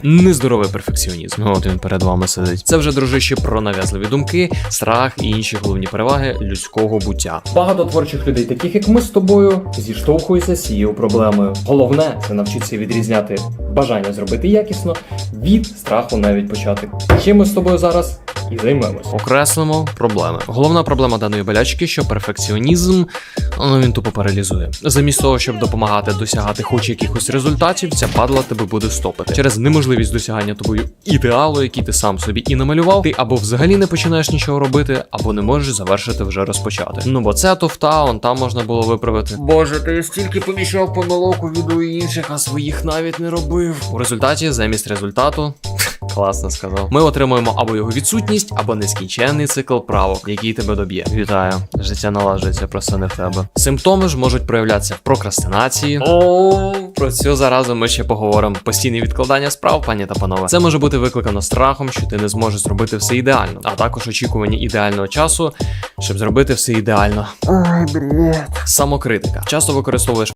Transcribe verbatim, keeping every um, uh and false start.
Нездоровий перфекціонізм. От він перед вами сидить. Це вже, дружище, про нав'язливі думки, страх і інші головні переваги людського буття. Багато творчих людей, таких як ми з тобою, зіштовхуються з цією проблемою. Головне це навчитися відрізняти бажання зробити якісно від страху навіть почати. Чим ми з тобою зараз і займемось. Окреслимо проблеми. Головна проблема даної болячки, що перфекціонізм, ну він тупо паралізує. Замість того, щоб допомагати досягати хоч якихось результатів, ця падла тебе буде стопити. Через неможливість досягання тобою ідеалу, який ти сам собі і намалював, ти або взагалі не починаєш нічого робити, або не можеш завершити вже розпочати. Ну бо це туфта, он там можна було виправити. Боже, ти стільки поміщав помилок у відео інших, а своїх навіть не робив. У результаті, замість результату, класно сказав, ми отримуємо або його відсутність, або нескінченний цикл правок, який тебе доб'є. Вітаю, життя налажується, просто не в тебе. Симптоми ж можуть проявлятися в прокрастинації. О, про цю заразу ми ще поговоримо. Постійне відкладання справ, пані та панове. Це може бути викликано страхом, що ти не зможеш зробити все ідеально, а також очікування ідеального часу, щоб зробити все ідеально. Ой, бред. Самокритика. Часто використовуєш